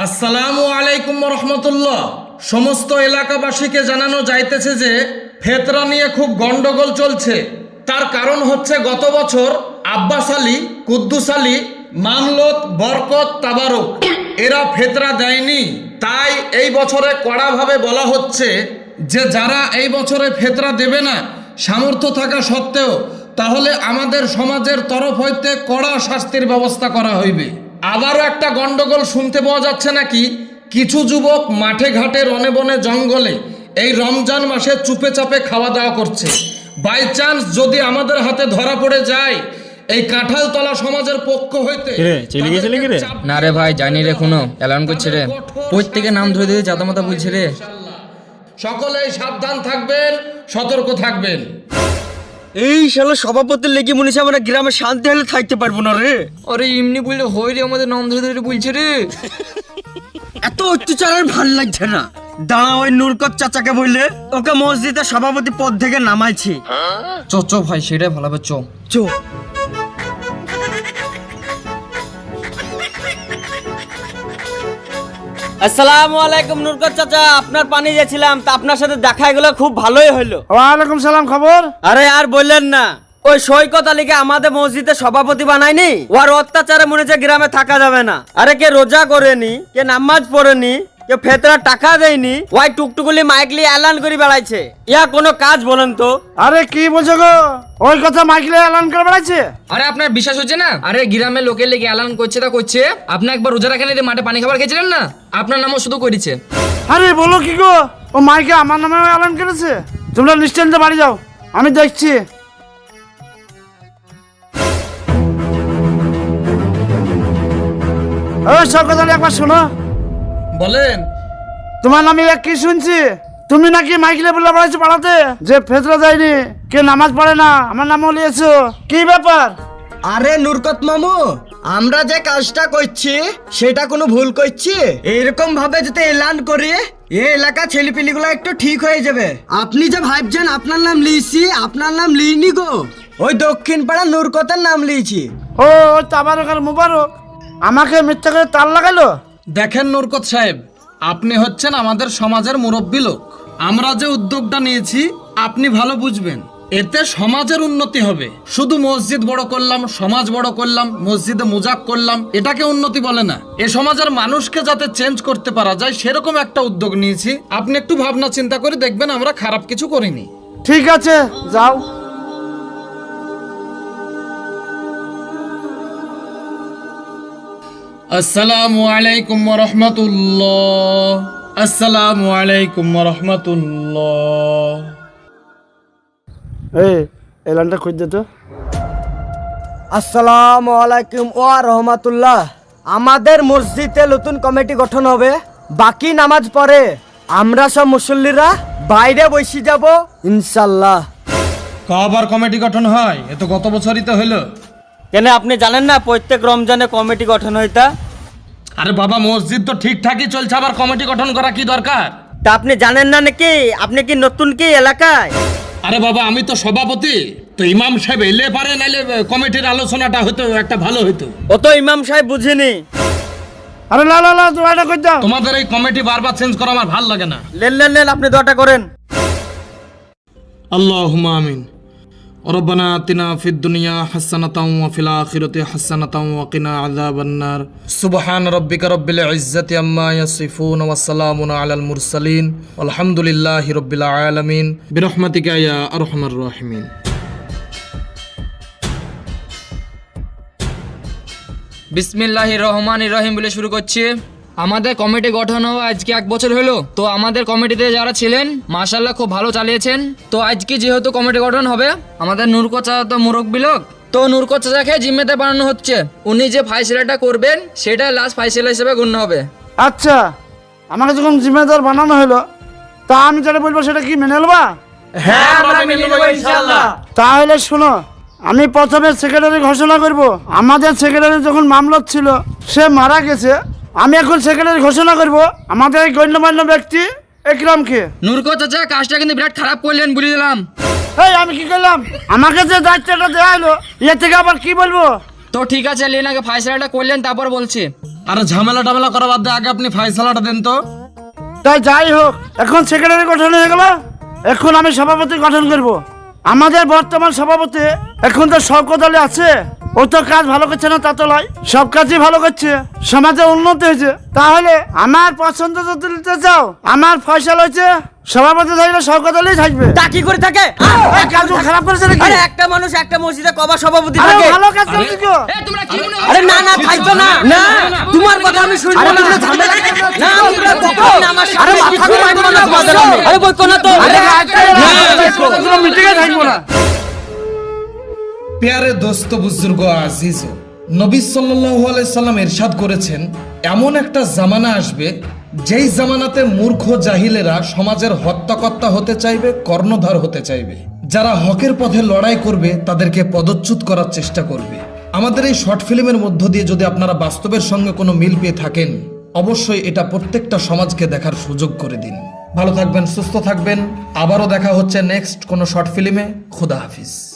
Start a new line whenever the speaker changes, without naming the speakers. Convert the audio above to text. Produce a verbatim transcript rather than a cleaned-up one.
আসসালামু আলাইকুম রহমতুল্লাহ। সমস্ত এলাকাবাসীকে জানানো যাইতেছে যে ফেতরা নিয়ে খুব গন্ডগোল চলছে। তার কারণ হচ্ছে গত বছর আব্বাস আলী, কুদ্দুস আলী, মামলত, বরকত, তাবারক এরা ফেতরা দেয়নি। তাই এই বছরে কড়াভাবে বলা হচ্ছে যে যারা এই বছরে ফেতরা দেবে না সামর্থ্য থাকা সত্ত্বেও, তাহলে আমাদের সমাজের তরফ হইতে কড়া শাস্তির ব্যবস্থা করা হইবে। আবারও একটা গন্ডগোল শুনতে পাওয়া যাচ্ছে নাকি কিছু যুবক মাঠে ঘাটে রনে বনে জঙ্গলে এই রমজান মাসে চুপে চাপে খাওয়া দাওয়া করছে। বাই চান্স যদি আমাদের হাতে ধরা পড়ে যায় এই কাঁঠালতলা সমাজের পক্ষ হইতে
না রে ভাই, জানি রে, কোনো এলান করছে রে, প্রত্যেকের নাম ধরে দিয়ে জাতা মাতা বলছে রে।
সকলেই সাবধান থাকবেন, সতর্ক থাকবেন।
এই শালা সভাপতির লেগে মনে হচ্ছে আমরা গ্রামে শান্তি হলে থাকতে পারবো না রে।
আরে এমনি বললে হয় রে, আমাদের নাম ধরে ধরে বলছে রে।
এত অত্যাচার আর ভাল লাগছে না। দাঁড়া, ওই নুরকত চাচাকে বললে ওকে মসজিদের সভাপতি পদ থেকে নামাইছি।
চ চ ভাই, সেটাই ভালো হবে, চ
চ। আসসালামু আলাইকুম নুরকত চাচা, আপনার পানি গেছিলাম, তা আপনার সাথে দেখা গেল, খুব ভালোই হলো।
ওয়ালাইকুম সালাম, খবর?
আরে আর বললেন না, ওই সৈকত আলীকে আমাদের মসজিদের সভাপতি বানায়নি। ওর অত্যাচারে মনে হচ্ছে গ্রামে থাকা যাবে না। আরে কে রোজা করেনি, কে নামাজ পড়েনি, কে ফেতরা টাকা দেয়নি, ওই টুকটুকুলি মাইকলি এলান করে বেড়াইছে। ইয়া কোনো কাজ বলেন তো?
আরে কি বলছো গো? ওই কথা মাইকেলে এলান করে বেড়াচ্ছে?
আরে আপনার বিশ্বাস হচ্ছে না? আরে গ্রামের লোকের লেগে এলান করছে তা করছে। আপনি একবার রোজা রাখেন, মাঠে পানি খাবার খেয়েছিলেন না? আপনার নামও শুধু করেছে।
আরে বলো কি গো, ও মাইকে আমার নামে এলান করেছে? তোমরা নিশ্চিন্তে বাড়ি যাও, আমি দেখছি। ও সব কথা একবার শোনো।
বলেন।
তোমার নামে এক কি শুনছি, তুমি নাকি মাইকেলে বলে বেড়াচ্ছো পাড়াতে যে ফেতরা যায়নি, কে নামাজ পড়ে না, আমার নামও লিয়েছো। কি ব্যাপার?
আরে নুরকত মামু, আমরা যে কাজটা করছি সেটা কোনো ভুল করছি? এরকম ভাবে যদি এলান করি এই এলাকা ছেলেপিলিগুলো একটু ঠিক হয়ে যাবে। আপনি যে ভাবছেন আপনার নাম লিয়েছি, আপনার নাম লিইনি গো, ওই দক্ষিণ পাড়া নুরকতের নাম লিয়েছি।
ও ওই তাবারক আর মুবারক আমাকে মিথ্যা করে তাল লাগালো।
দেখেন নুরকত সাহেব, আপনি হচ্ছেন আমাদের সমাজের মুরব্বী লোক। আমরা যে উদ্যোগটা নিয়েছি আপনি ভালো বুঝবেন, এতে সমাজের উন্নতি হবে। শুধু মসজিদ বড় করলাম, সমাজ বড় করলাম, মসজিদে মুজাক করলাম, এটাকে উন্নতি বলে না। এ সমাজের মানুষকে যাতে চেঞ্জ করতে পারা যায় সেরকম একটা উদ্যোগ নিয়েছি। আপনি একটু ভাবনা চিন্তা করে দেখবেন আমরা খারাপ কিছু করিনি।
ঠিক আছে, যাও।
আসসালামু আলাইকুম রহমতুল্লাহ। আসসালামু আলাইকুম রহমতুল্লাহ।
এই এলানটা খুঁজতে তো।
আসসালামু আলাইকুম ওয়া রাহমাতুল্লাহ। আমাদের মসজিদে নতুন কমিটি গঠন হবে। বাকি নামাজ পড়ে আমরা সব মুসল্লিরা বাইরে বসে যাব ইনশাআল্লাহ।
কবার কমিটি গঠন হয়? এ তো গত বছরই তো হলো।
কেন আপনি জানেন না প্রত্যেক রমজানে কমিটি গঠন হইতা?
আরে বাবা, মসজিদ তো ঠিকঠাকই চলছে, আবার কমিটি গঠন করা কি দরকার?
তা আপনি জানেন না নাকি? আপনি কি নতুন কি এলাকায়?
আরে বাবা, আমি তো সভাপতি, তো ইমাম সাহেব এলে পারে, নাইলে কমিটির আলোচনাটা হতো একটা ভালো হতো।
ও তো ইমাম সাহেব বুঝিনি।
আরে লা লা লা, দোয়াটা কই দাও।
তোমাদের এই কমিটি বারবার চেঞ্জ করা আমার ভালো লাগে না।
লেন লেন লেন, আপনি দোয়াটা করেন।
আল্লাহুম্মা আমিন। রব্বানা আতিনা ফিদ দুনিয়া হাসানাতাও ওয়া ফিল আখিরাতি হাসানাতাও ওয়া কিনা আযাবান নার। সুবহান রাব্বিকা রাব্বিল ইজ্জাতি আম্মা ইয়াসিফুন ওয়া সালামুন আলাল মুরসালিন আলহামদুলিল্লাহি রাব্বিল আলামিন বিরহমাতিকা ইয়া আরহামার রাহিমিন।
বিসমিল্লাহির রহমানির রহিম বলে শুরু করছি। আমাদের কমিটি গঠন হওয়া আজকে এক বছর হলো। তো আমাদের কমিটিতে যারা ছিলেন মাশাআল্লাহ খুব ভালো চালিয়েছেন। তো আজকে যেহেতু কমিটি গঠন হবে, আমাদের নুরকত চাচা তো মুরব্বী লোক, তো নুরকত চাচাকে জিম্মেতে বানানো হচ্ছে। উনি যে ফাইসলাটা করবেন সেটা লাস্ট ফাইসলা হিসেবে গণ্য হবে।
আচ্ছা, আমাকে যখন জিম্মেদার বানানো হলো, তা আমি যেটা বলবো সেটা কি মেনে নেবা?
হ্যাঁ, আমরা মেনে নেব ইনশাআল্লাহ।
তাহলে শোনো, আমি প্রথমে সেক্রেটারি ঘোষণা করব। আমাদের সেক্রেটারি যখন মামলত ছিল সে মারা গেছে, আমি এখন সেক্রেটারি ঘোষণা করব আমাদের এই গণ্যমান্য ব্যক্তি একরামকে।
নুরকত চাচা কাজটা কিন্তু বিরাট খারাপ করলেন, বলে দিলাম।
এই আমি কি করলাম? আমাকে যে দায়িত্বটা দেওয়া হলো এর থেকে আবার কি বলবো?
তো ঠিক আছে লেন, আগে ফাইসলাটা করলেন তারপর বলছি।
আর ঝামেলা টামেলা করা বাদ দিয়ে আগে আপনি ফাইসালাটা দেন তো।
তাই যাই হোক, এখন সেক্রেটারি গঠন হয়ে গেল, এখন আমি সভাপতি গঠন করব। আমাদের বর্তমান সভাপতি এখন তো শওকত আলী আছে, ও তো কাজ ভালো করছে না তা তো নয়, সব কাজই ভালো করছে, সমাজে উন্নতি হয়েছে। তাহলে আমার পছন্দ যদি নিতে চাও, আমার ফয়সাল হয়েছে সভাপতি থাকলে শওকত আলী থাকবে।
তা কি করে থাকে?
এই কাজ খারাপ করেছে নাকি?
আরে একটা মানুষ একটা মসজিদে কবা সভাপতি
আরে
থাকে?
ভালো কাজ করছে তো।
এ, তোমরা কি মনে
আরে না না থাকবে না, না তোমার কথা আমি শুনবো না। না তোমরা কখন আমার সামনে
আরে মাথা
কিছু
ঘুরাইবো
বলবো
না,
না তোমাদের আমি। আরে বলতো না তো।
আরে
না,
কোনো মিটিংয়ে থাকবো না।
প্যারে দোস্ত বুজুর্গ আজিজ, নবী সাল্লাল্লাহু আলাইহি সাল্লাম ইরশাদ করেছেন, এমন একটা জামানা আসবে যেই জামানাতে মূর্খ জাহিলেরা সমাজের হত্যাকর্তা হতে চাইবে, কর্ণধার হতে চাইবে। যারা হকের পথে লড়াই করবে তাদেরকে পদচ্যুত করার চেষ্টা করবে। আমাদের এই শর্ট ফিল্মের মধ্য দিয়ে যদি আপনারা বাস্তবের সঙ্গে কোনো মিল পেয়ে থাকেন, অবশ্যই এটা প্রত্যেকটা সমাজকে দেখার সুযোগ করে দিন। ভালো থাকবেন, সুস্থ থাকবেন, আবারও দেখা হচ্ছে নেক্সট কোনো শর্ট ফিল্মে। খুদা হাফিজ।